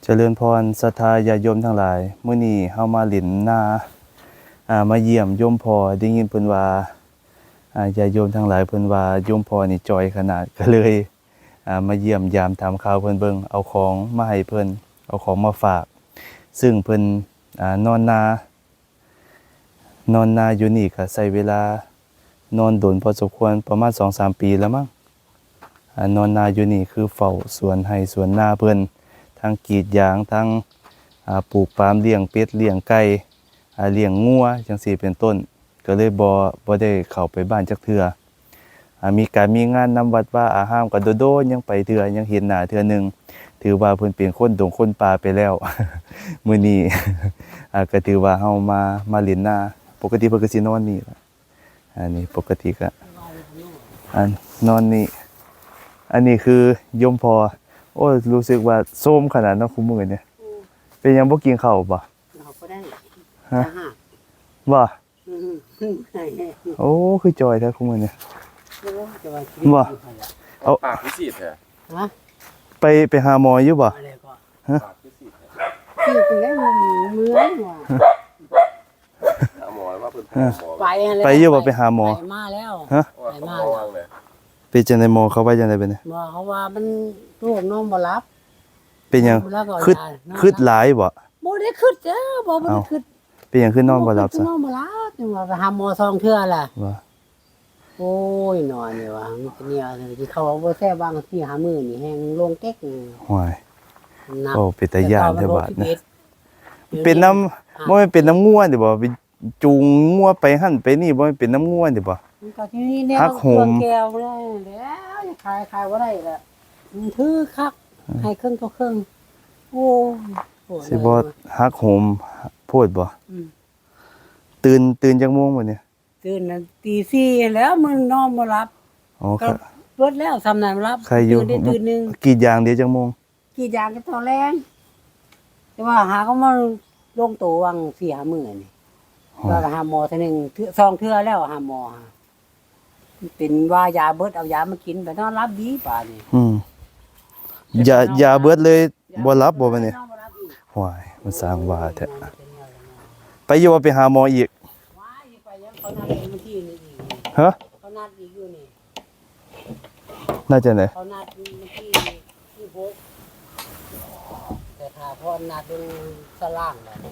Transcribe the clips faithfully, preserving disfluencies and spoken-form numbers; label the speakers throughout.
Speaker 1: เจริญพรศรัทธาญาติโยมทั้งหลายมื้อนี้เฮามาหลินนาอ่ามาเยี่ยมโยมพ่อได้ยินเพิ่นว่าอ่าญาติโยมทั้งหลายเพิ่นว่าโยมพ่อนี่จอยขนาดก็เลยอ่ามาเยี่ยมยามถามข่าวเพิ่นเบิ่งเอาของมาให้เพิ่นเอาของมาฝาก ซึ่งเพิ่นอ่านอนนานอนนาอยู่นี่ก็ใช้เวลานอนโดนพอสมควรประมาณ สองสาม ปีแล้วมั้งอ่านอนนาอยู่นี่คือเฝ้าสวนไร่สวนนาเพิ่นทั้งกรีดยางทั้งอ่าปลูกปาล์มเลี้ยงเป็ดเลี้ยงไก่อ่าเลี้ยงงัวจังซี่เป็นต้นก็เลยบ่บ่ได้เข้าไปบ้านจักเทื่ออ่ามีการมีงานนำวัดว่าอาหามก็โดดๆยังไปเทื่อยังเห็นหน้าเทื่อหนึงถือว่าเพิ่นเป็นคนดงคนป่าไปแล้ว มื้อนี้ อ่าก็ถือว่าเฮามามาเล่นนาปกติเพิ่นก็สินอนนี่ล่ะอันนี้ปกติก็อันนอนนี่อันนี้คือโยมพ่อโอ้ยรู้สึกว่าโทรมขนาดนั้นคุมื้อเนี่ยเป็นหยังบ่กินข้าวบ่
Speaker 2: เราก็ได้
Speaker 1: ฮะ
Speaker 2: จะหัก
Speaker 1: บ่
Speaker 2: อืมใช่
Speaker 1: โอ้คือจอยแท้คุมื้อเนี่ย
Speaker 2: จะว่า
Speaker 1: บ่
Speaker 3: เอาปากพิเศษแท้
Speaker 2: ฮะ
Speaker 1: ไปไปหาหมออยู่บ่
Speaker 2: อะไรก็
Speaker 1: ฮะ
Speaker 3: ปากพิเศษแท้
Speaker 2: คือเป็นไงมันเหมือนว่า
Speaker 3: หาหมอว่าเพิ่นหาหมอ
Speaker 2: ไปแล้ว
Speaker 1: ไปอยู่บ่ไปหาหมอ
Speaker 2: ไปมาแล้ว
Speaker 1: ฮะ
Speaker 3: ว่าเขาระวังเลย
Speaker 1: เป็นจังได๋หมอเขาว่าจังได๋บัดนี้
Speaker 2: หมอเขาว่ามันโรคนอนบ่หลับ
Speaker 1: เป็นหยัง
Speaker 2: แล้วก็
Speaker 1: คึด
Speaker 2: ยานอน
Speaker 1: คึดหลายบ่
Speaker 2: บ่ได้คึดจ้าบ่บ่ได้คึด
Speaker 1: เป็นหยังคือนอนบ่หลับซะ
Speaker 2: นอนบ่หลับจังว่าไปหาหมอสองเทื่อล่ะ
Speaker 1: ว่า
Speaker 2: โอ้ยนอนนี่ว่ามันก็เนี่ยที่เขาว่าบ่แซ่บบางที่หามื้อนี่แฮงลงเก๊กนี่
Speaker 1: ห่วย
Speaker 2: หนัก
Speaker 1: โอ้เป็นตาย้านแท้บาดนะ
Speaker 2: แต่
Speaker 1: เป็นน้ำบ่แม่นเป็นน้ำงัวติบ่ไปจูงงัวไปหั่นไปนี่บ่แม่นเป็นน้ำงัวติบ่
Speaker 2: มันก็ที่นี่แนว
Speaker 1: หักโหม
Speaker 2: เครื่องแก้วได้แล้วจะขายขายบ่ได้ละมันถือคักให้ครึ่งต่อครึ่งโอ้ยโหด
Speaker 1: สิบ่ฮักโหมโพดบ่
Speaker 2: อืม
Speaker 1: ตื่นตื่นจักโมงบัดนี้
Speaker 2: ตื่นน่ะตีสี่แล้วมึงนอนบ่หลับ
Speaker 1: อ๋อ
Speaker 2: ก็
Speaker 1: ค่ะ
Speaker 2: เบิดแล้วสำนันรับ
Speaker 1: ใครอยู่
Speaker 2: ตื่นได้ตื่นหนึง
Speaker 1: กรีดยางเดี๋ยวจักโมง
Speaker 2: กี่อย่างก็ตอนแรงแต่ว่าหาก็มาลงตัววังสี่หามื้อนี่
Speaker 1: อ๋อ
Speaker 2: ว่าหาหมอเทื่อหนึงเทื่อสองเทื่อแล้วหาหมอหาเป็นว่ายาเบิดเอายามากินไปนอนรับดีป่านนี่
Speaker 1: อืมอย่าอย่าเบิดเลยบ่หลับบ่บัดนี้
Speaker 2: นอนบ่หลับอีก
Speaker 1: ห่วยมันสร้างว่าแท้ไปอยู่ว่าไปหาหมออีก
Speaker 2: ว้ายไปยังเขานัดเองเมื่อกี้นี่อีก
Speaker 1: ฮะ
Speaker 2: เขานัดอีกอยู่นี่
Speaker 1: น่าจะไหน
Speaker 2: เขานัดเมื่อกี้ที่หกแต่ถ้าพอนัดเป็นสล่างแล้ว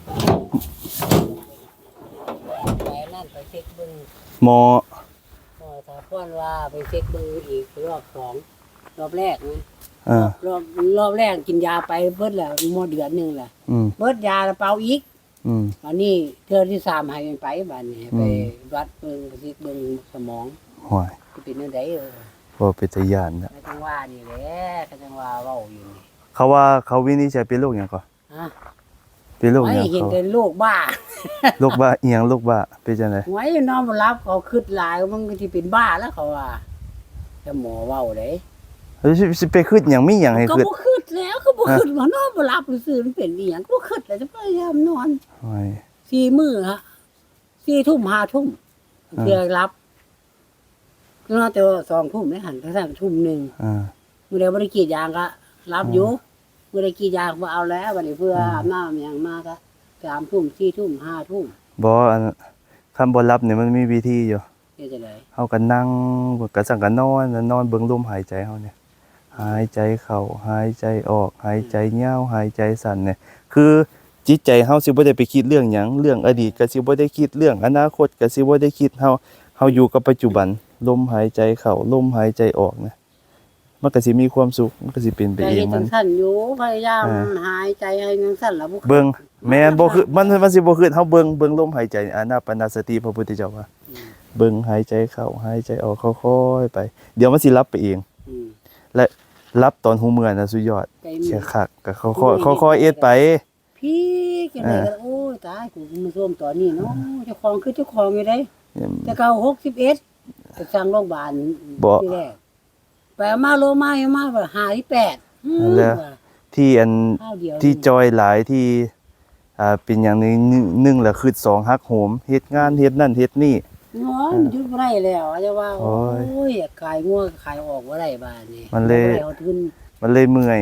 Speaker 2: ไปนั่นไปเช็คเบิ่ง
Speaker 1: หมอ
Speaker 2: พอถ้าพอนว่าไปเช็คเบิ่งอีกรอบสองรอบแรกนะ
Speaker 1: อ่าร
Speaker 2: อบรอบแรกกินยาไปเบิดแล้วหมดเดือนหนึงแหละ
Speaker 1: อืม
Speaker 2: เบิดยาแล้วเป่าอีก
Speaker 1: อืม
Speaker 2: วันนี้เทื่อที่สามให้มันไปบัดนี้
Speaker 1: อืม
Speaker 2: ไปวัดเบิ่งไปเช็คเบิ่งสมอง
Speaker 1: ห่วย
Speaker 2: สิเป็นจังไดเออ
Speaker 1: บ่เป็นตาย้านนะ
Speaker 2: ก็จังว่านี่แหละก็จังว่าเว้าอยู่นี่
Speaker 1: เขาว่าเขาวินิจฉัยเป็นโรคหยังก่อน
Speaker 2: ฮะ
Speaker 1: เป็นโรคห
Speaker 2: ไว้
Speaker 1: ยัง
Speaker 2: เห็น
Speaker 1: เขา
Speaker 2: แต่โรคบ้า
Speaker 1: โรคบ้าอีหยังโรคบ้าเป็นจังได๋
Speaker 2: ไว้นอนบ่หลับเขาคิดหลายมันก็สิเป็นบ้าแล้วเขาว่าแต่หมอเว้าเด้
Speaker 1: เฮ้ยสิสิไปคิดหยังมีหยังให้
Speaker 2: ก็
Speaker 1: คิด
Speaker 2: บ่คิดแล้วก็บ่คิดว่านอนบ่หลับซื่อๆมันเป็นอีหยังก็บ่คิดแล้วจะพยายามนอน
Speaker 1: ห่วย
Speaker 2: สี่มื้อฮะสี่ทุ่มห้าทุ่ม
Speaker 1: อ่า
Speaker 2: เพื่อรับก็นอนแต่ว่าสองทุ่มได้หันไปสั่งทุ่มหนึง
Speaker 1: อ่า
Speaker 2: มื้อใดบ่ได้กรีดยางก็รับอยู่มื้อใดกรีดยางบ่เอาแล้วบัดนี้เพื่ออาบน้ำหยังมาก็สามทุ่มสี่ทุ่มห้าทุ่ม
Speaker 1: บ่อันคันบ่หลับนี่มันมีวิธีอยู่
Speaker 2: เฮ็ดจังได๋
Speaker 1: เฮาก็นั่งก็สั่งก็นอนแล้วนอนเบิ่งลมหายใจเฮาเนี่ยหายใจเข้าหายใจออกหายใจยาวหายใจสั้นเนี่ยคือจิตใจเฮาสิบ่ได้ไปคิดเรื่องหยังเรื่องอดีตก็สิบ่ได้คิดเรื่องอนาคตก็สิบ่ได้คิดเฮาเฮาอยู่กับปัจจุบันลมหายใจเข้าลมหายใจออกนะมันก็สิมีความสุขมันก็สิเป็นไป
Speaker 2: แต่
Speaker 1: เอ
Speaker 2: เฮ็
Speaker 1: ง
Speaker 2: ด
Speaker 1: มั
Speaker 2: จั
Speaker 1: น
Speaker 2: งซั่นอยู่พยายาม
Speaker 1: อ่า
Speaker 2: หายใจให้จังซั่นล่ะบ่
Speaker 1: เบิ่งแม่นบ่คือมันมันสิบ่คือเฮาเบิ่งเบิ่งลมหายใจอานาปานสติพระพุทธเจ้าว่า
Speaker 2: อืม
Speaker 1: เบิ่งหายใจเข้าหายใจออกค่อยๆไป เดี๋ยวมันสิหลับไปเอง
Speaker 2: อืม
Speaker 1: และหลับตอนหูเมื่อยน่ะสุดยอด
Speaker 2: ใจมื
Speaker 1: แค่
Speaker 2: อ
Speaker 1: คักก็ค่อยๆค่อยๆเอ็ดไป
Speaker 2: พี่จังได๋ก็โอ้ยตายกูมาร่วมตอนนี้เนาะเจ้าของคือเจ้าของอยู่เด้แต่เก่าหกสิบเอ็ดไปสร้างโรงพยาบาล
Speaker 1: บ่
Speaker 2: ที่แรกไปเอามาโลมาเอามาว่าห้าสิบแปดอืม
Speaker 1: แล้ว ที่อัน
Speaker 2: ข้าวเดียว
Speaker 1: ที่จอยหลายที่อ่าเป็นอย่างหนึงหนึ่งหนึ่งละคือสองฮักโหมเฮ็ดงานเฮ็ดนั่นเฮ็ดนี่
Speaker 2: งอนหยุดบ่ได้แล้วอาจจะว่า
Speaker 1: โอ้
Speaker 2: โอ้
Speaker 1: ย
Speaker 2: ยขายงัวขายออกบ่ได้บาดนี้
Speaker 1: มันเลย
Speaker 2: บ่ได้เอาทุน
Speaker 1: มันเลยเมื่อย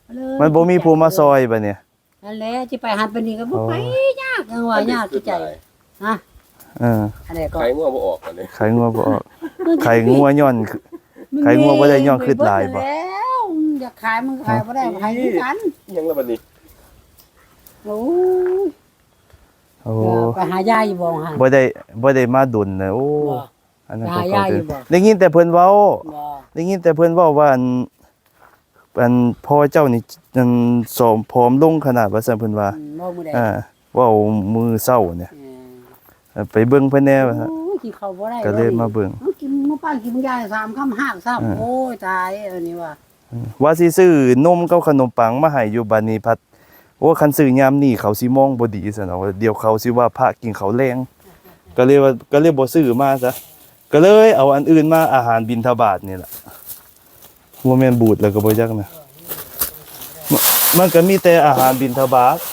Speaker 2: เลย
Speaker 1: มันบ่มีผู้มาซอยบัดเนี่ย
Speaker 2: นั่นแหละสิไปหันไปนี่ก็บ่ไปยากจังว่ายากคือใจฮะ
Speaker 1: เออ
Speaker 2: อันนี้ก็
Speaker 3: ไข่ง่วงบ่ออกอันนี้
Speaker 1: ไข่งัวบ่ออกไข่งัวย้อนคือ ขายงัวบ่ได้ย่อขึ้นหลายบ่
Speaker 2: แล้วอยากขายมันก็ขายบ่ได้ขายคือกัน
Speaker 3: ยังละบัดนี้
Speaker 2: โอ้ย
Speaker 1: โอ้
Speaker 2: ไปหายายอยู่บ่หั่น
Speaker 1: บ่ได้บ่ได้มาดุลนะโอ้
Speaker 2: บ่
Speaker 1: อันนั้น
Speaker 2: หา
Speaker 1: ก็
Speaker 2: ยา
Speaker 1: เข้าย ใจ
Speaker 2: อยู่บ่
Speaker 1: ได้ยินแต่เพิ่นเว้า
Speaker 2: บ่
Speaker 1: ได้ยินแต่เพิ่นเว้าว่าอันอันพ่อเจ้านี่อันสอมผอมลงขนาดว่าซั่นเพิ่นว่า
Speaker 2: อืมบ่มื้อใด
Speaker 1: อ่าเว้ามือเช้าเนี่ย
Speaker 2: เออ
Speaker 1: เออไปเบิ่งเพิ่นแหน่ว่าซั่น
Speaker 2: โอ้ยกินข้าวบ่ได้
Speaker 1: ก็เลยมาเบิ่ง
Speaker 2: เอากินมื้อป้านกินมื้อยายสามคำห้ากซ้ำ
Speaker 1: อ่า
Speaker 2: โอ้ยตายอันนี้ว่า
Speaker 1: ว่าสิซื้อนมกับขนมปังมาให้อยู่บัดนี้พัดโอ้คันซื้อยามนี้เขาสิมองบ่ดีซั่นเนาะเดี๋ยวเขาสิว่าพระกินข้าวแรงก็เลยว่าก็เลยบ่ซื้อมาซะก็เลยเอาอันอื่นมาอาหารบิณฑบาตนี่ล่ะบ่แม่นบูดแล้วก็บ่จักนะมมันก็มีแต่อาหารบิณฑบาต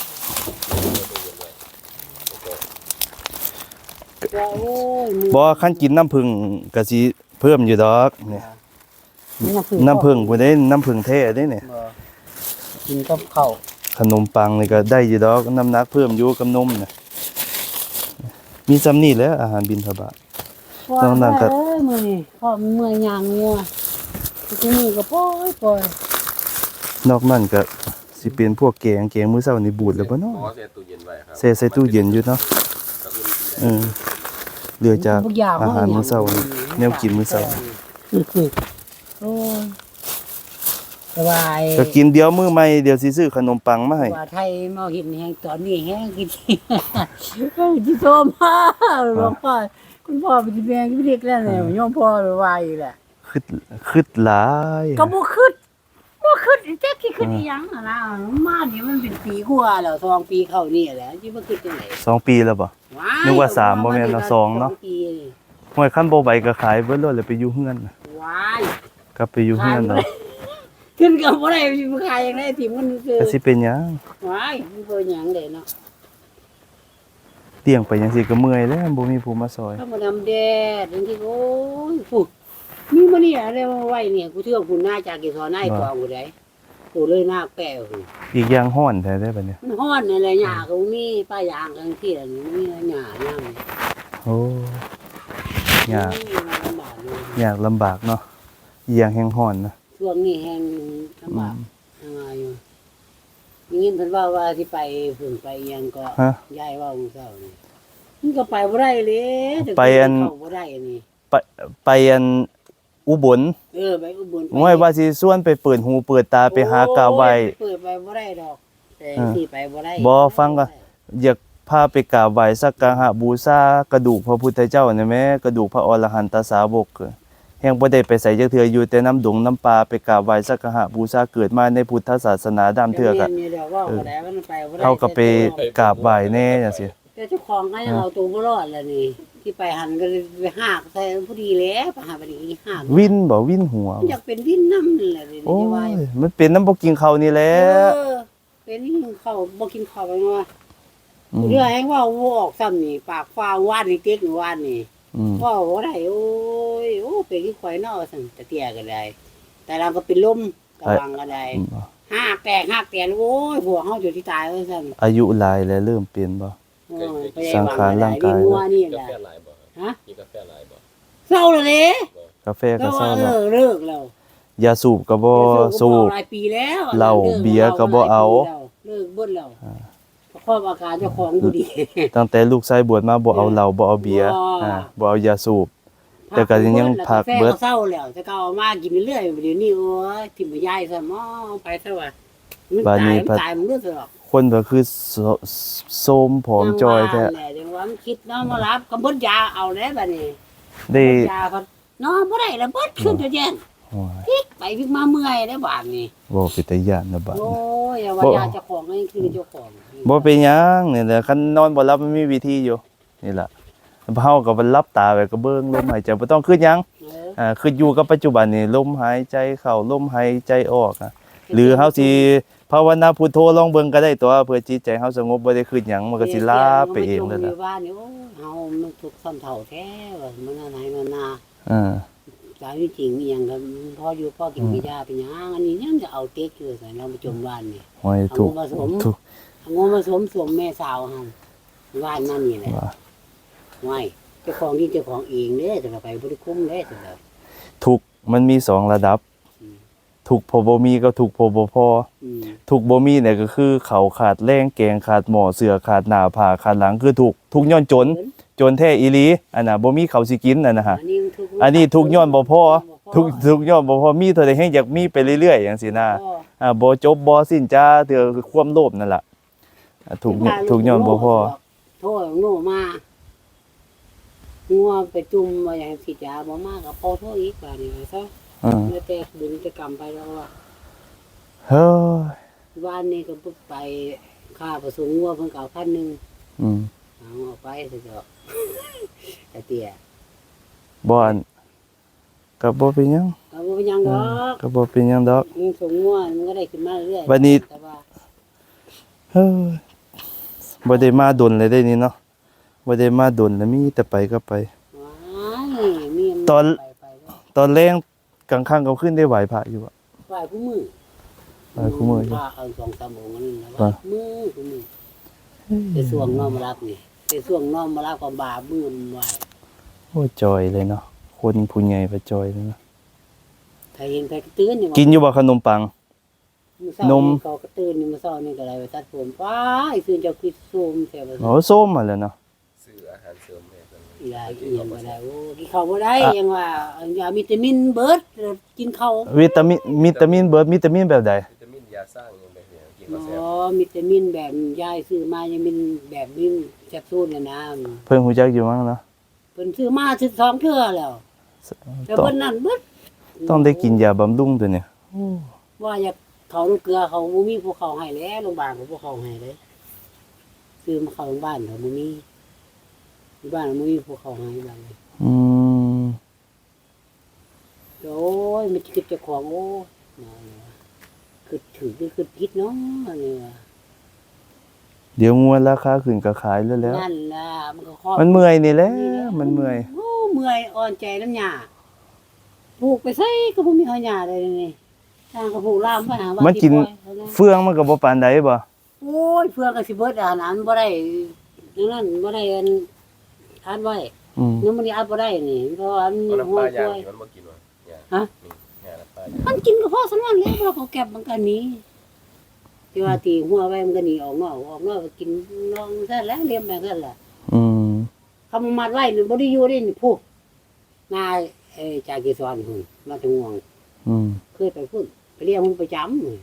Speaker 2: ว่าโอ้ยมื้อ
Speaker 1: บ่คันกินน้ำผึ้งก็สิเพิ่มอยู่ดอกเนี่ย
Speaker 2: น้ำผึ้ง
Speaker 1: น้ำผึ้งพุ่นเด้น้ำผึ้งแท้เด้เนี่ย
Speaker 2: บ่กินกับข้าว
Speaker 1: ขนมปังนี่ก็ได้อยู่ดอกน้ำหนักเพิ่มอยู่กับนมน่ะมีซ้ำนี่แหล้วอาหารบิณฑบาต น้องนั่งก็
Speaker 2: เอ้ยมื้อนี้พ่อเมื่อยยางงัวทีนี้ก็ปล่อยปล่อย
Speaker 1: นอกนั้นก็สิเป็นพวกแกงแกงมื้อเช้านี่บูดแล้วบ่เนาะ
Speaker 3: อ๋อเสียตู้เย็นไว้ครับ
Speaker 1: แช่ใส่ตู้เย็นอยู่เนาะ
Speaker 3: กระอุ่นกินได้
Speaker 1: เออเหลือจาก
Speaker 2: ทุกอย่าง
Speaker 1: อาหารมื้อเช้านี่แนวกินมื้อเช้า
Speaker 2: โอ้ยสบาย
Speaker 1: ก็กินเดี๋ยวมื้อใหม่เดี๋ยวสิซื้อขนมปังมาให้
Speaker 2: ว่าไทยมาเห็นแฮงตอนนี้แฮงกินเฮ้ยที่โตมาหลวงพ่อคุณพ่อเป็นแม่ที่เด็กแล้วเนี่ยโยมพ่อว่าอีแหละ
Speaker 1: คิดคิดหลาย
Speaker 2: ก็บ่คิดบ่คิดแจ๊กที่คิดอีหยังอะนะมานี่มันเป็นปีกว่าแล้วสองปีเข้านี่แหละสิบ่คิดจังได๋
Speaker 1: สองปีแล้วบ่
Speaker 2: ว้าย
Speaker 1: นึกว่าสามบ่แม่นเนาะสองเนาะ
Speaker 2: ปีนี่
Speaker 1: ห้วยคันบ่ไหวก็ขายเบิดเลยแล้วไปอยู่เฮือนน่ะ
Speaker 2: ว้าย
Speaker 1: กลับไปอยู่เฮือนเนาะ
Speaker 2: ขึ้นก็บ่ได้สิมาขายจังได๋ที่มันคือ
Speaker 1: ก็สิเป็นหยัง
Speaker 2: ว้ายมันบ่หยังเด้เนาะ
Speaker 1: เลี้ยงไปจังซี่ก็เมื่อยแล้วบ่มีผู้มาซอย
Speaker 2: ถ้ามาดำแดดจังซี่โอ้ยฟูมีมื้อนี้อะไรมาไว้เนี่ยกูเชื่อคุณน่าจากกี่ซอหน้าอีกองกูได้กูเลยหน้าแป้วกู
Speaker 1: อีกอย่างฮ้อนแท้ได้บัดเนี้
Speaker 2: มันฮ้อนอะไรหญ้าก็บ่มีป้ายางกันที่ละนี่มีหญ้าย่าง
Speaker 1: โอ้ยาก
Speaker 2: โอ้ยลำบากเลย
Speaker 1: ยากลำบากเนาะอีหยังแฮงฮ้อนนะ
Speaker 2: ช่วงนี้แฮงลำบากทำไงอยู่มีเงินเพิ่นว่าว่าสิไปฝึ่งไปอิหยังก็
Speaker 1: ฮะ
Speaker 2: ยายว่ามื้อเช้านี่มันก็ไปบ่ได้เลยแต่
Speaker 1: ไปอัน
Speaker 2: เข้าบ่ได้นี่
Speaker 1: ไปไปอันอุบล
Speaker 2: เออไปอุบลไป
Speaker 1: ห้วยว่าสิส่วนไปเปิดหูเปิดตาไปหากาไว้
Speaker 2: โอ้ยเปิดไปบ่ได้ดอกแต่
Speaker 1: อ่า
Speaker 2: สิไปบ่ได้
Speaker 1: บ่ฟังก่อน อยากพาไปกราบไหว้สักการะบูชากระดูกพระพุทธเจ้านี่แหมกระดูกพระอรหันตสาวกแฮงบ่ได้ไปใส่จักเทื่ออยู่แต่น้ำดงน้ำปลาไปกราบไหว้สักการะบูชาเกิดมาในพุทธศาสนาดามเทื่อก็
Speaker 2: ดี๋ยวนี้เดี๋ยวว่าบ่ได้มันไปบ่ได้
Speaker 1: เฮาก็ไปกราบไหว้แน่จังซี่
Speaker 2: แต่เจ้าของก็ยังเอาตัวบ่รอดแล้วนี่ ที่ไปหันก็เลยไปหากใส่ผู้ดีแล้วไปหาไปดีหาก
Speaker 1: วินบ่วินหัว
Speaker 2: อยากเป็นวินน้ำนั่นแหละนี่
Speaker 1: โอ้
Speaker 2: จะว่าย
Speaker 1: มันเป็นน้ำบ่กินข้าวนี่แหละ
Speaker 2: เออเป็นนี่เขาบ่กินข้าวไปว่า
Speaker 1: อืม
Speaker 2: เรื่องแฮงว่าบ่ออกซ้ำนี่ปากฟ้าวานนี่เต็กนี่วานนี่
Speaker 1: อืม
Speaker 2: ว่าบ่ได้โอ้ยโอ้เป็นที่ข่อยเนาะสั่นตะเตียก็ได้ แต่เราก็เป็นลมกำลังก็ได้
Speaker 1: อืม
Speaker 2: ห้าแตกห้าแตกโอ้ยหัวเฮาอยู่ที่ตายว่าซั่น
Speaker 1: อายุหลายแล้วเริ่มเปลี่ยนบ่
Speaker 2: โอ้ยไป
Speaker 1: สังขารร่างกาย
Speaker 2: วิ่งัวนี่
Speaker 3: กา
Speaker 2: แหละ
Speaker 3: แฟหลายบ่
Speaker 2: ฮะ
Speaker 3: กินกาแฟหลายบ่
Speaker 2: เศร้าแล้วเด้
Speaker 1: กาแฟ
Speaker 2: แล้
Speaker 1: ก็
Speaker 2: ว
Speaker 1: เศร้า
Speaker 2: ว่าเอ
Speaker 1: แล้ว
Speaker 2: อเลิกแล้ว
Speaker 1: ยาสูบก็บ่สูบ
Speaker 2: หลายปีแล้ว
Speaker 1: เหล้าเบียร์ก็บ่เอา
Speaker 2: เลิกเบิดแล้วครอบอาการเจ้าของบ่ดี
Speaker 1: ตั้งแต่ลูกชายบวชมาบ่เอาเหล้าบ่เอาเบียร์
Speaker 2: บ่
Speaker 1: อ่าบ่เอายาสูบ แต่ก็ยังพักเบิด
Speaker 2: แฟก็เศร้าแล้วแต่ก็เอามากินเรื่อยๆเดี๋ยวนี้โอ้ยทิ่มไปยายซะหมอไปซะว่ามัน
Speaker 1: บาด
Speaker 2: ตา
Speaker 1: นี้
Speaker 2: ยมัน
Speaker 1: พัด
Speaker 2: ตายมันรู้สึกหรอก
Speaker 1: คนก็คือโซโซมผอมจอยแท้
Speaker 2: จังว่าแหละจังว่ามันคิดเนาะมารับก็เบิดยาเอาแล้วบัดนี้
Speaker 1: ได้
Speaker 2: เบิดยาพัดนอนบ่ได้แล้วเบิดขึ้นจะแย่ง
Speaker 1: โอ้ย
Speaker 2: พลิกไปพลิกมาเมื่อยได้บาดนี้
Speaker 1: บ่เป็นตาย้านนะบัด
Speaker 2: โอ้
Speaker 1: นี้
Speaker 2: ยอย่าว่ายาเจ้าของนี่คือเจ้าของ
Speaker 1: บ่เป็นหยังนี่แหละคันนอนบ่หลับมันมีวิธีอยู่นี่ล่ะเฮาก็บ่หลับตาไว้ก็เบิ่งลมหายใจบ่ต้องคิดหยัง
Speaker 2: เออ
Speaker 1: อ่าคืออยู่กับปัจจุบันนี่ลมหายใจเข้าลมหายใจออกอะหรือเฮาสิภาวนาพุทโธลองเบิ่งก็ได้ตัวเพื่อจิตใจเฮาสงบบ่ได้คิดหยังมันก็สิลาไปเองนั่น
Speaker 2: แหละ
Speaker 1: ล่ะ
Speaker 2: ว่านี่โอ้เฮามันทุกข์ซ้ำเฒ่าแท้ว่ามันอะไรมันนา
Speaker 1: อ่า
Speaker 2: คตามที่จริงมีหยังก็พ่ออยู่พ่อกินกินยาเป็นหยังอันนี้ยังจะเอาเต็กอยู่ใส่เราไปจมบ้านนี่
Speaker 1: ห้อย
Speaker 2: เอา
Speaker 1: ถูก
Speaker 2: มาผสม
Speaker 1: ถูก
Speaker 2: เอางูมาสวมสวมแม่สาวเฮาว่านนั่นนี่แหละ
Speaker 1: ว่า
Speaker 2: ไว้เจ้าของที่เจ้าของเองเด้แต่ละไปบ่ได้คุ้มเด้แต่ละ
Speaker 1: ทุกข์มันมีสองระดับ
Speaker 2: อืม
Speaker 1: ทุกข์พอบ่มีกับทุกข์พอบ่พอ
Speaker 2: อืม
Speaker 1: ทุกข์บ่มีเนี่ยก็คือเขาวขาดแรงแกงขาดหม้อเสื้อขาดหน้าผ้าขาดหลังคือทุกข์ทุกข์ย้อนจน จนแท้อีหลีอันน่ะบ่มีข้าวสิกินนั่นน่ะฮะ
Speaker 2: อันนี้ทุกข์
Speaker 1: อันนี้ทุกข์ย้อนบ่พอทุกข์ทุกข์ย้อนบ่พอมีเท่าใดแฮงอยากมีไปเรื่อยๆจังซี่นะ
Speaker 2: พ่อ
Speaker 1: อ่าบ่จบบ่สิ้นจ้าเถือความโลภนั่นล่ะอ่าทุกข์เนี่ยทุกข์ย้อนบ่พอ
Speaker 2: โทษโง่มางัวไปจุ่มมาอย่างสิยาบ่มากก็พอโทษอีกบาดนี้ว่าซะ
Speaker 1: อืม
Speaker 2: แล้วแต่บุญจะกรรมไปแล้วว่า
Speaker 1: เฮ้ย
Speaker 2: บ้านนี้ก็ปุ๊บไปค่าผสมงัวเพิ่นก็เอาพันหนึง
Speaker 1: อืม
Speaker 2: เอาออกไปซะเถอะแต่เตี้ย
Speaker 1: บ่อันก็บ่เป็นหยัง
Speaker 2: เอาบ่เป็นหยังดอก
Speaker 1: ก็บ่เป็นหยังดอก
Speaker 2: อืมสมงัวมันก็ได้ขึ้นมาเรื่อยๆ
Speaker 1: บัดนี้
Speaker 2: แต่ว่า
Speaker 1: เฮ้ยบ่ได้มาดนเลยได้นี่เนาะบ่ได้มาดนแล้วมีแต่ไปก็ไป
Speaker 2: ว้ายมีมั
Speaker 1: ตอน
Speaker 2: ไปไปเด้อ
Speaker 1: ตอนแรงกลางค่ำกลางคืนได้ไหวพระอยู่อะ
Speaker 2: ไหว้ผู้มือ
Speaker 1: ไหว้ผู้มื้ออยู่
Speaker 2: พระเอาสองสามองค์นั่นนะไห
Speaker 1: ว่า
Speaker 2: ว้มือผู้มือในช่วงน้อมรับนี่ในช่วงน้อมรับก็บาปมือมันไหว้
Speaker 1: โอ้จอยเลยเนาะคนผู้ใหญ่ไปจอยเลยเนาะ
Speaker 2: ถ้าเห็นใครก็ตื่นนี่ว่า
Speaker 1: กินอยู่บ่ขนมปัง
Speaker 2: มื้อเช้าน
Speaker 1: ม
Speaker 2: ก็กระตื่นนี่มื้อเช้านี่ก็ได้ไปตัดผมป้ายซื่นเจ้าคือซูมแซ่บ
Speaker 1: โอ้ส้มมาแล้วเนาะ
Speaker 3: ซื้ออาหารเสริมแม่กัน
Speaker 2: อีหลายอีหยังบ่ได้โอ้กินข้าวบ่ได้ยังว่าเอายาวิตามินเบิดกินข้าว
Speaker 1: วิตามินวิตามินเบิดวิตามินแบบใด
Speaker 3: วิตามินยาสร้างยังแบบนี้กิน
Speaker 2: อ๋
Speaker 3: มาแซ่บ
Speaker 2: อวิตามินแบบยายซื้อมายังเป็นแบบมินแคปซูลน่ะนะ
Speaker 1: เพิ่นฮู้จักอยู่มั้งเนาะ
Speaker 2: เพิ่นซื้อมาสิบสองเทื่อแล้วแต่
Speaker 1: ต้อง
Speaker 2: เพิ่นนั่นเบิด
Speaker 1: ต้องได้กินยาบำรุงตัวเนี่ย
Speaker 2: ว่าอยากเขาลูกเกลือเขาบ่มีภูเขาให้แล้วโรงพยาบาลก็บ่เขาให้เลยซื้อมาเข้าโรงพยาบาลเขาบ่มีที่บ้านบ่มีภูเขาให้บ้านเลย
Speaker 1: อืม
Speaker 2: โอ้ยมันคิดเจ้าของโอ้ยน่าเนี่ยคือถือคือผิดเนาะเนี่ย
Speaker 1: เดี๋ยวงวดราคาขึ้นก็ขายแล้วแล้ว
Speaker 2: นั่นล่ะมันก็ครอบ
Speaker 1: มันเมื่อยนี่แหละมันเมื่อย
Speaker 2: โอ้เมื่อยอ่อนใจน้ำหญ้าปลูกไปไสก็บ่มีหญ้าเลยนี่ทางก็ปลูกลามไปหาว่า
Speaker 1: มันกิน
Speaker 2: สิปล่อยเขานะ
Speaker 1: เฟืองมันก็บ่ปานใดบ่
Speaker 2: โอ้ยเฟืองก็สิเบิดอาหารบ่ได้ดังนั้นบ่ได้อันทานไว้
Speaker 1: อืม
Speaker 2: ยังบ่ได้อัดบ่ได้นี่เพราะว่ามัน
Speaker 3: เอาน้ำ
Speaker 2: หั
Speaker 3: ป
Speaker 2: ว
Speaker 3: ลาย่าง
Speaker 2: ป่วย
Speaker 3: นี่มันบ่กินว่ะย่าง
Speaker 2: ฮะ
Speaker 3: นี่ย่างน้ำปลาย่าง
Speaker 2: มันกินก็พอสำนั้นแล้วเราก็เก็บมันก็หนีที่ว่าตีหัวไว้มันก็หนีออกนอกออกนอกก็กินนองซะแล้วเลี้ยงแบบนั้นแหละ
Speaker 1: อืม
Speaker 2: คำมัดไว้นี่บ่ได้อยู่ได้นี่พูดนายเอ้จากกีสอนพุ่นมาถึงห่วง
Speaker 1: อืม
Speaker 2: เคยไปพุ่นไปเรียกมันประจำนี่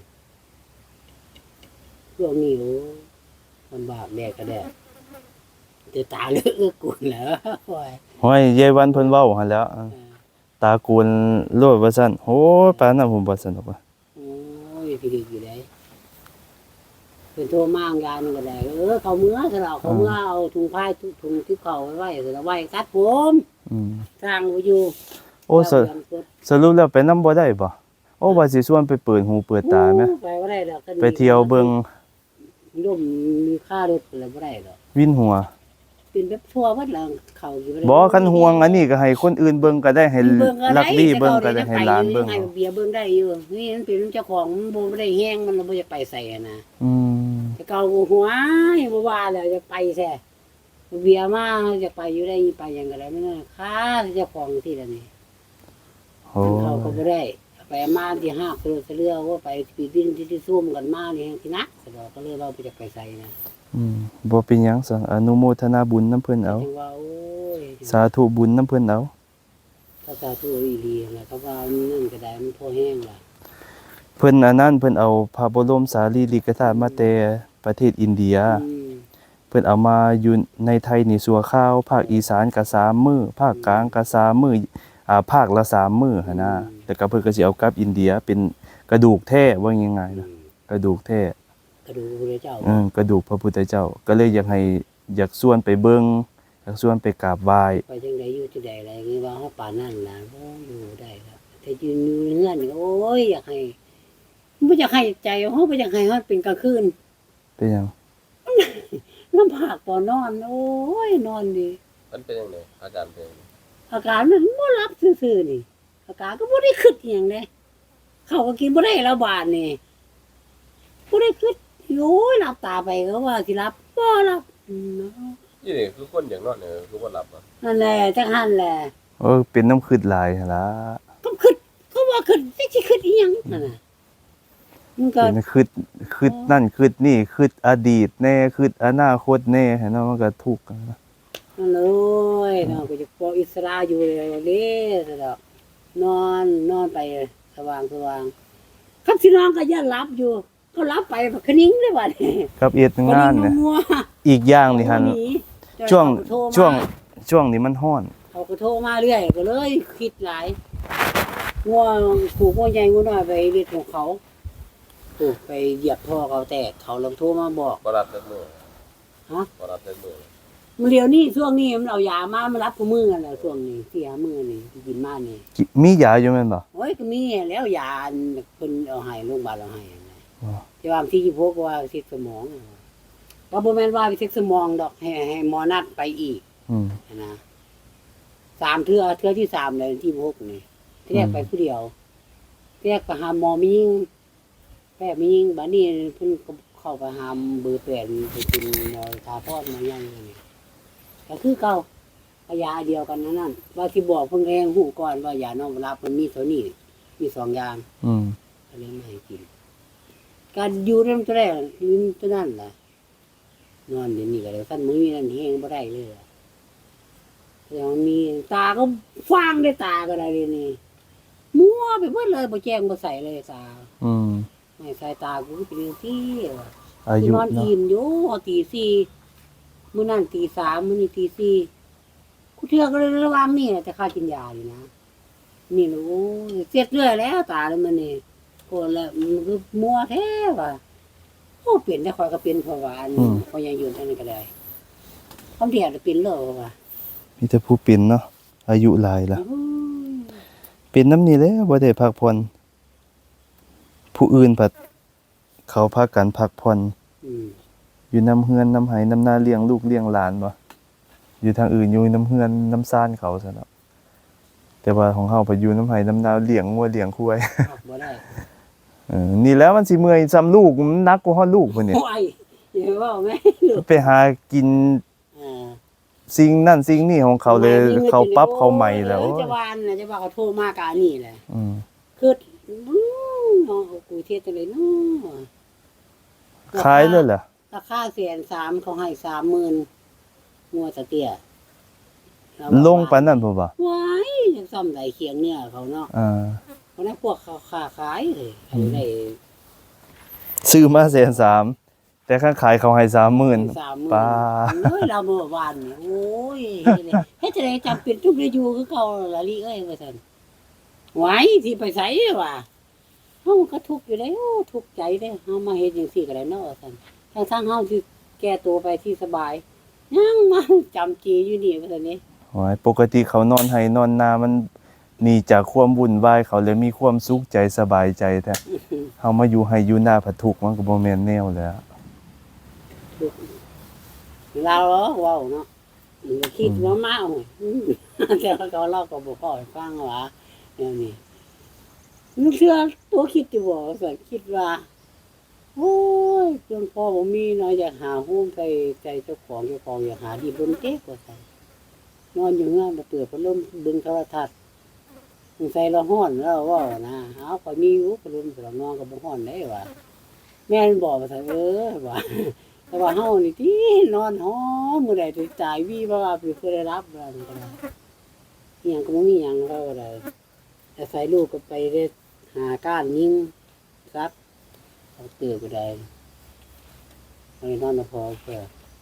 Speaker 2: ช่วงนี้โอ้ลำบากแดกก็แดกแต่ตาเลือกเอื้อกุนแล้วโอ้ย
Speaker 1: ห้อยยายวันเพิ่นเว้าหั่นแหล้วอ่าตากูลโลดว่าซั่นโอ้ยปานนั้นผมบ่สนุกว่ะ
Speaker 2: โอ้ยพี่ดีอยู่ได้เป็นโทรมางยานก็ได้เออเขาเมื่อสลับเขาเมื่อเอาถุงผ้าถุงที่เขาไว้ไว้สลับไว้ตัดผม
Speaker 1: อืม
Speaker 2: สร้างไว้อยู่
Speaker 1: โอ้สรุสรุปแล้วไปนำบ่ได้บ่โอ้ว่าสิชวนไปเปิดหูเปิดตาแหม
Speaker 2: ไปบ่ได้ดอก
Speaker 1: ไปเที่ยวเบิ่ง
Speaker 2: ย่อมมีค่ารถอะไรบ่ได้ดอก
Speaker 1: วินหัว
Speaker 2: เป็นแบบทั่ววัดหลังเขาอยู่ได้
Speaker 1: บ่คันห่วงอันนี้ก็ให้คนอื่นเบิ่งก็ได้ให้
Speaker 2: เบิ่งก็
Speaker 1: ลั
Speaker 2: ได้
Speaker 1: กบี้เบิ่งก็ได้ให้หลานเบิ่ง
Speaker 2: ให้เบียร์เบิ่งได้อยู่นี่มันเป็นเจ้าของมันบ่ได้แห้งมันบ่อยากไปใส่อะนะ
Speaker 1: อืม
Speaker 2: แต่เก่าหัวบ่ว่าแล้วจะไปแท้เบียร์มาจะไปอยู่ได้ไปหยังก็ได้มันน่ะค่าเจ้าของที่ละนี่
Speaker 1: โอ้
Speaker 2: เขาก็บ่ได้ไปมาที่ห้ากิโลเรือว่าไปปีบินที่ที่ซุ่มกันมานี่แห่งที่นักสะดอกก็เลยว่าบ่จะไปใส่นะ
Speaker 1: อืมบ่เป็นหยังสังอนุโมทนาบุญนํเพิ่นเอา
Speaker 2: จังว่าโอ้ย
Speaker 1: สาธุบุญนํเพิ่นเอา
Speaker 2: ภาษาตัวอีหลีนะเขาว่ามันนั่นก็ได้มันพอแห้งล่ะ
Speaker 1: เพิ่นอันนั้นเพิ่นเอาพระบรมสารีริกธาตุมาแต่ประเทศอินเดีย
Speaker 2: อืม
Speaker 1: เพิ่นเอามาอยู่ในไทยนี่สัวข้าวภาคอีสานก็สามมื้อภาคกลางก็สามมื้ออ่าภาคละสามมื้อหั่นนะแต่ก็เพิ่นก็สิเอากลับอินเดียเป็นกระดูกแท้ว่าง่ายๆนะกระดูกแท้
Speaker 2: กระดูกพระเจ้า
Speaker 1: เออกระดูกพระพุทธเจ้า ก็เลยอยากให้อยากชวนไปเบิ่งอยากชวนไปกราบไหว้
Speaker 2: ไปจังไดอยู่จังไดอะไรอย่างงี้ว่าเฮาป่านนั้นล่ะโอ้อยู่ได้ครับแต่ยืนอยู่เฮือนนี่โอ้ยอยากให้บ่อยากให้ใจเฮาบ่อยากให้เฮาเป็นกลางคืน
Speaker 1: เป็นหยัง
Speaker 2: น้ำผากบ่นอน โอ้ยนอนดี
Speaker 3: มันเป็นยังไงอาการเป็นยังไง
Speaker 2: อาการมันบ่รับซื่อๆนี่อากาศก็บ่ได้คิดอหย่างเด้เขาก็กินบ่ได้แล้วบาดนี่บ่ได้คิดโอ้ยหลับตาไปก็ว่าสิหลับบ่หลับอืมเนาะ
Speaker 3: นี่นี่คือคนอย่างนอนเนี่ยคือบ่หลับอ่ะ
Speaker 2: นั่นแหละจังหันแหละ
Speaker 1: เออเป็นน้ำคืดหลายหั่นล่ะ
Speaker 2: ก็คิดเขาว่าคิดจักสิคิดอีหยังนั่นน่ะมันก็
Speaker 1: เป็นคืดคืดนั่นคืดนี่คืดอดีตแน่คืดอนาคตแน่ให้เนาะมันก็ทุกข์นะ
Speaker 2: นั่นเลยเนาะก็จะปล่อยอิสระอยู่เลยเด้ซะดอกนอนนอนไปสว่างสว่างคันสินอนก็อย่าหลับอยู่ก็หลับไปบักคะนิ้งเลยบัดนี้
Speaker 1: กับเอ็ดงานเนี่ย
Speaker 2: มัว
Speaker 1: อีกอย่างนี่หั่น
Speaker 2: ๆ
Speaker 1: ช่วง
Speaker 2: เขาก็โทรมา
Speaker 1: ช่วงช่วงนี้มันร้อน
Speaker 2: เขาก็โทรมาเรื่อยก็เลยคิดหลายงัวผูกงัวใหญ่งัวน้อยไปเรียกของเขาถูกไปเหยียบท่อเขาแตกเขาลองโทรมาบอก
Speaker 3: บ่รับแต่มื้อ
Speaker 2: ฮะ
Speaker 3: บ่รับแต่มื้อ
Speaker 2: มันเดี๋ยวนี้ช่วงนี้มันเอายามามารับกูมือกันแหละช่วงนี้เสียมือนี่ที่กินมานี่
Speaker 1: กิมียาอยู่แม่นบ่
Speaker 2: โอ้ยก็มีแล้วยาอันเพิ่นเอาให้โรงพยาบาลเอาให้นั่นแหละ
Speaker 1: อ๋อ
Speaker 2: ที่ว่าที่ยี่สิบหกว่าเช็คสมองว่าบ่แม่นว่าไปเช็คสมองดอกให้ให้หมอนัดไปอีก
Speaker 1: อืม
Speaker 2: นะสามเทื่อเทื่อที่สามเลยที่ยี่สิบหกนี่ที่แรกไปผู้เดียวที่แรกไปหาหมอมียิงแพทย์มียิงบัดนี้เพิ่นก็เข้าไปหาเบอร์แปดไปเป็นหมอทาพอดมายังนี่ก็คือเก่าเอายาเดียวกันนั่นนั่นว่าที่บอกเพิ่นเองหูก่อนว่ายานอนหลับมันมีเท่านี้มีสองอย่าง
Speaker 1: อืม
Speaker 2: ก็เลยไม่ให้กินการอยู่นั่นตัวแรกอยู่ตัวนั่นแหละนอนเดี๋ยวนี้ก็เลยสั้นมือมีนั่นเฮงบ่ได้เลยอะแต่มันมีตาก็ฟางได้ตาก็ได้เลยนี่มัวไปเบิดเลยบ่แจ้งบ่ใส่เลยตา
Speaker 1: อืม
Speaker 2: ไม่ใส่ตากูก็เป็นเรื่องที่ว่ะ
Speaker 1: อายุ
Speaker 2: นอน
Speaker 1: เนาะ
Speaker 2: อิ่มอยู่ตีสี่มื้อนั้นตีสามมื้อนี้ตีสี่กูเทื่อก็เลยระวังนี่แหละแต่ข้ากินยาอยู่นะนี่นะโอ้ยเสียดเรื่อยแล้วตาเลยมันนี่โกนแล้วมันก็มัวแท้ว่ะโอ้เปลี่ยนได้คอยก็เป็นเพราะว่าอันพอยังอยู่เท่านั้นก็ได้คำเดียวจะเป็นเลยว่ะ
Speaker 1: มีแต่ผู้เป็นเนาะอายุหลายละ
Speaker 2: โอ้ย
Speaker 1: เป็นน้ำนี่แหละบ่ได้พักผ่อนผู้อื่นผัดเขาพากันพักผ่อน
Speaker 2: อืม
Speaker 1: อยู่น้ำเฮือนน้ำไหน้ำนาเลี้ยงลูกเลี้ยงหลานบ่อยู่ทางอื่นอยู่น้ำเฮือนน้ำซ่านเขาซะเนาะแต่ว่าของเฮาไปอยู่น้ำไหน้ำนาเลี้ยงงัวเลี้ยงควาย
Speaker 2: ออกบ่ได้
Speaker 1: เออนี่แล้วมันสิเมื่อยซ้ำลูกมันหนักกว่าฮอดลูกพุ่นนี่
Speaker 2: โอ้ยอย่าว่าแม่ลูก
Speaker 1: ไปหากิน
Speaker 2: อ่า
Speaker 1: สิ่งนั่นสิ่งนี่ของเขาเลยเขาปรับเขาใหม่แล้ว
Speaker 2: เออจะวานนะจะว่าเขาโทรมากอันนี้แหละ
Speaker 1: อืม
Speaker 2: คืออื้อเนาะกูเทศจังเลยเนาะ
Speaker 1: ขายเลยเหรอ
Speaker 2: ราคาแสนสามเขาให้สามหมื่นงัวตะเตี้ยเรา
Speaker 1: ลงปานนั้นพุ่นบ่
Speaker 2: ว้ายยังซ่อมได้เคียงเนี่ยเขาเนาะ
Speaker 1: อ่า
Speaker 2: เพราะนั้นพวกเขาค้าขายเลยอันได้
Speaker 1: ซื้อมาแสนสามแต่ข้างขายเขาให้สามหมื่น
Speaker 2: สามหมื่น
Speaker 1: ป้า
Speaker 2: เอ้ยเราเมื่อวานนี่โอ้ยเฮ็ดจังได๋จำเป็นทุกได้อยู่คือเก่าละลิเอ้ยว่าซั่นไหวสิไปไสว่ะเฮาก็ทุกข์อยู่แล้วทุกข์ใจเด้เฮามาเฮ็ดจังซี่ก็ได้เนาะว่าซั่นทั้งทางเฮาสิแก้ตัวไปที่สบายยังมาจำจีอยู่นี่ว่าซั่นนี่
Speaker 1: โอ้ยปกติเขานอนให้นอนนามันหนีจากความวุ่นวายเขาเลยมีความสุขใจสบายใจแท้เฮามาอยู่ให้อยู่หน้าผัดทุกข์มันก็บ่แม่นแนวแหล้ว
Speaker 2: เราเหรอเว้าเนาะคิดว่ามาเอาแต่เขาเล่าก็บ่พอให้ฟังว่าแนวนี้มันเชื่อตัวคิดอยู่บ่ว่าซั่นคิดว่าโอ้ยจนพ่อบ่มีเนาะอยากหาหุ้มไปใจเจ้าของเจ้าของอยากหาที่บนเต๊กว่าซั่นนอนอยู่เฮือนบ่เปิดพัดลมเบิ่งโทรทัศน์สงสัยเราฮ้อนแล้วเว้านะเอาก็มีอยู่พัดลมสำหรับนอนก็บ่ฮ้อนได้ว่าแม่นบอกว่าซั่นเออว่า แต่ว่าเฮานี่ที่นอนหอมมื้อใดสิตายวีบ่ว่าสิเคยได้รับว่านี่ก็ได้อิหยังก็บ่มีหยังเราก็ได้แต่ใส่ลูกก็ไปได้หาก้านยิงซักเอาเตือก็ได้ไปนอนพอเพื่อ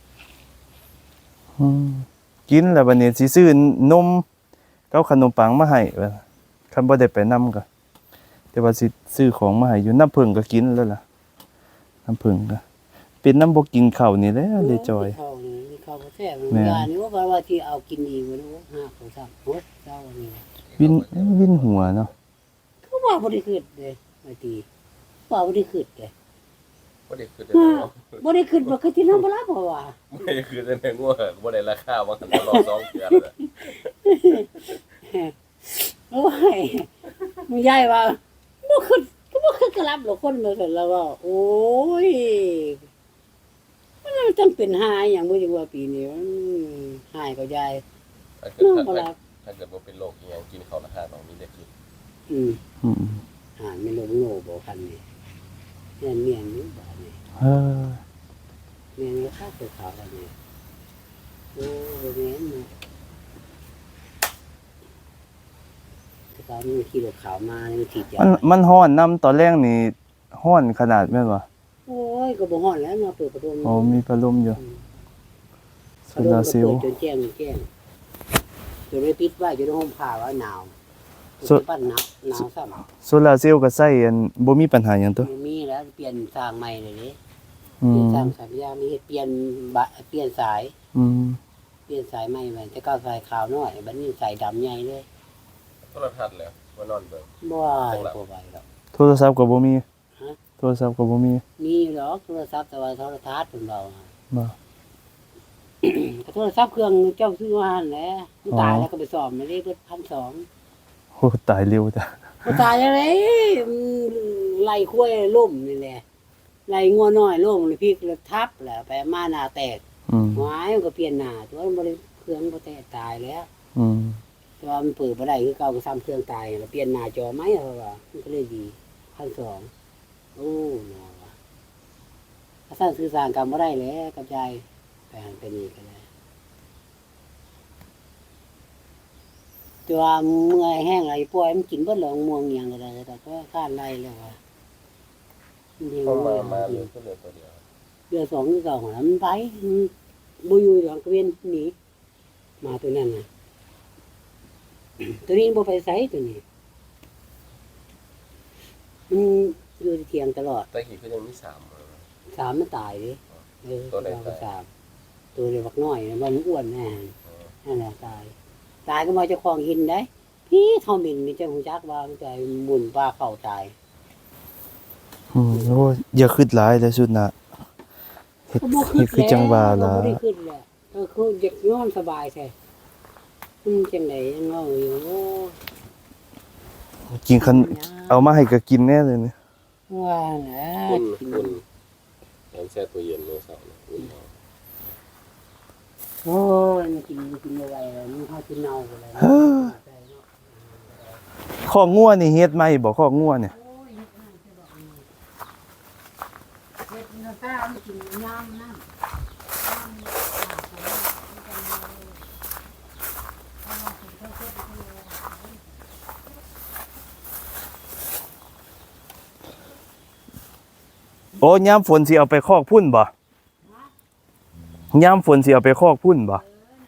Speaker 1: อืมกินแล้วบัดนี้สิซื้อนมกับขนมปังมาให้ว่าคันบ่ได้ไปนำก็แต่ว่าสิซื้อของมาให้อยู่น้ำผึ้งก็กินแล้วล่ะน้ำผึ้งก็เป็นน้ำบ่กินข้าวนี่แหละเลยจอย
Speaker 2: ข้าวนี่มีข้าวบ่แซ่บ
Speaker 1: แม่
Speaker 2: ยานี่ว่าว่าที่เอากินอีกบ่รู้หาเขาซักโหเจ้านี่
Speaker 1: วินวินหัวเนาะ
Speaker 2: เขาว่าบ่ได้ขึ้นเด้ไม่ตีว่าบ่ได้ขึ้นเด้
Speaker 3: บ่ได้คือแต่
Speaker 2: ฮะ
Speaker 3: เนาะ
Speaker 2: บ่ได้ขึ้นบ่คือที่นอนบ่รับเพราะว่า
Speaker 3: บ่ได้คือแต่งัวบ่ได้ราคาว่าหันตลอดสองเดือนเลย
Speaker 2: โอ้ยมึงยายว่าบ่คือก็บ่คือกระลับหรอกคนมาเสร็จแล้วว่าโอ้ยมันจังเป็นหายอย่างบ่จังว่าปีนี้มันหายก็ยาย
Speaker 3: ถ้าเกิด
Speaker 2: น้อง
Speaker 3: ถ้า
Speaker 2: บ่
Speaker 3: ถ้า
Speaker 2: รับ
Speaker 3: ถ้าเกิดว่าเป็นโรคอีหยังกินข้าวละห้าต้องมีได้กิน
Speaker 2: อืม
Speaker 1: อืม
Speaker 2: หาไม่ลงโง่บ่คันนี่เมียนเมียนอยู่บาดนี้
Speaker 1: เฮ้อ
Speaker 2: เมียนก็ข้าวตัวขาวแล้วนี่โอ้บ่แม่นนะแต่ตอนนี้ขี่รถขาวมานี่มันถีบยา
Speaker 1: มันมันฮ้อนน้ำตอนแรกนี่ฮ้อนขนาดแม่นบ่
Speaker 2: โอ้ยก็บ่ฮ้อนแล้วเนาะเปิดประตู
Speaker 1: อ๋อมีพัดลมอยู่โซ
Speaker 2: ประตู
Speaker 1: ลา
Speaker 2: ก็
Speaker 1: ร์เซล
Speaker 2: เปิด
Speaker 1: ล์
Speaker 2: จนแจ้งแจ้งจนได้ปิดไว้จนได้ห่มผ้าว่าหนาว
Speaker 1: สุ
Speaker 2: สุดปั้นหนาวหนาวซ้ำ
Speaker 1: โซลาร์เซลล์ก็ใช้อันบ่มีปัญหาหยังตัว
Speaker 2: มันมีแล้วเปลี่ยนสร้างใหม่เลยเด้
Speaker 1: อื
Speaker 2: เปลี่ยน
Speaker 1: ม
Speaker 2: สร้างสายยางมีเฮ็ดเปลี่ยนบะเปลี่ยนสาย
Speaker 1: อืม
Speaker 2: เปลี่ยนสายใหม่ไปแต่เก้าสายขาวน้อยบัดนี้สายดำใหญ่เลย
Speaker 3: โทรทัศน์แล้วมานอนเบิ่ง
Speaker 2: บ่ว่าบ่ไหวหรอก
Speaker 1: โทรศัพท์ก็บ่มี
Speaker 2: ฮะ
Speaker 1: โทรศัพท์ก็บ่มี
Speaker 2: มีอยู่หรอกโทรศัพท์แต่ว่าโทรทัศน์เพิ่นเราอะ
Speaker 1: บ่
Speaker 2: ก็โทรศัพท์เครื่องเจ้าซื้อมาหั่นแหละมันตาย
Speaker 1: อ๋อ
Speaker 2: แล้วก็ไปซ่อมมาได้เบิดพันสอง
Speaker 1: โอ้ตายเร็วจ้ะ
Speaker 2: บ่ตายอะไรมันไล่ควายล่มนี่แหละไล่งัวน้อยล่มเลยพลิกแล้วทับแล้วไปมาหน้าแตก
Speaker 1: อืม
Speaker 2: หวายมันก็เปลี่ยนหน้าตัวมันบ่ได้เครื่องบ่แตกตายแล้ว
Speaker 1: อืม
Speaker 2: แต่ว่ามันเปิดบ่ได้คือเก่าก็ซ้ำเครื่องตายแล้วเปลี่ยนหน้าจอใหม่เพราะว่ามันก็เลยดีพันสองโอ้เนาะว่ะถ้าสร้างสื่อสารกันบ่ได้แล้วกับยายไปหันไปนี่ก็ได้แต่ว่าเมื่อยแห้งอะไรป่วยมันกินเบิดแล้วม่วงอิหยังก็ได้แต่ก็ข้านไล่แล้วว่ามันดี
Speaker 3: เข้ามา
Speaker 2: ว่า
Speaker 3: มาเลยก็เหลือตัวเดียว
Speaker 2: เดือนสองคือเก่าหัวมันไปมันบ่อยู่หลังกระเวนหนีมาตัวนั้นน่ะ ตัวนี้บ่ไปไสตัวนี้มันอยู่ที่เถียงตลอด
Speaker 3: แต่กี่ก็ยังมีสามเลย
Speaker 2: สามมันตายดิเออ
Speaker 3: ตัวใด
Speaker 2: เราก็
Speaker 3: ตาย
Speaker 2: สามตัวเล็กบักน้อยนะมันอ้วนแน่
Speaker 3: เออ
Speaker 2: นั่นแหละตาย ตายก็มาเจ้าของหินได้ พี่เท่ามินนี่เจ้าหูจักว่ามันใจหมุนปลาเข้าตาย
Speaker 1: อืมโอ้ยอย่าคิดหลายเลยสุดน่ะเฮ็ด
Speaker 2: ก็บ่
Speaker 1: เฮ็ดคือจังว่าล่ะ
Speaker 2: บ่ได้ขึ้นแหละก็คือเด็กนอนสบายแท้อืมจังได๋ยังเงาอยู่โอ้
Speaker 1: กินคันเอามาให้ก็กินแน่เลยนี่
Speaker 2: ว่าแหละ
Speaker 3: อุ่นอุ่นแอนแช่ตัวเย็นเลยเสาร์เนี่ยอุ่นเอา
Speaker 2: โอ้ยมันกินมันกินบ่ไหวแล้วมันเข้ากินเน่าไปแล้ว
Speaker 1: เฮ้อ ข้องัวนี่เฮ็ดใหม่บ่ข้องัวเนี่ย
Speaker 2: โอ้ยเฮ็ดให้ใช่ดอกนี่เฮ็ดน้ำตาลกินน้ำน้ำ
Speaker 1: โอ้ยามฝนสิเอาไปคอกพุ่นบ่ยามฝนสิเอาไปคอกพุ่นบ่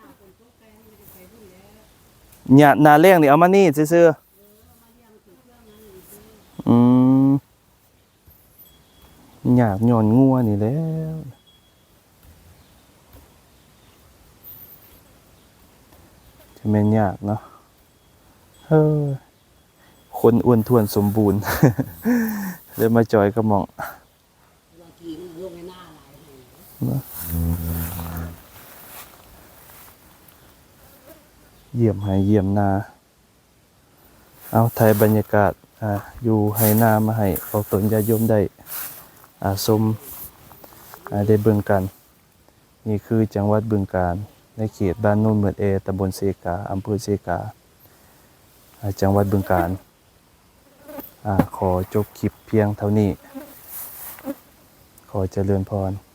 Speaker 1: หญ้าหน้าแล้งนี่เอามานี่ซื่อๆอืมยากย้อนงัวนี่แหล้วจะแม่นยากเนาะเฮ้อคนอ้วนท้วนสมบูรณ์ เลยมาจอยกับหม่อง
Speaker 2: บางทีมันลงในหน้าหลายแห่ง
Speaker 1: เยี่ยมให้เยี่ยมนา เอาไทยบรรยากาศอ่าอยู่ให้นามาให้ออกตนญาติโยมได้อ่าชมอ่าได้เบิ่งกัน นี่คือจังหวัดบึงกาฬในเขตบ้านโน่นเหมือนเอตำบลเซกาอำเภอเซกาอ่าจังหวัดบึงกาฬอ่าขอจบคลิปเพียงเท่านี้ ขอเจริญพร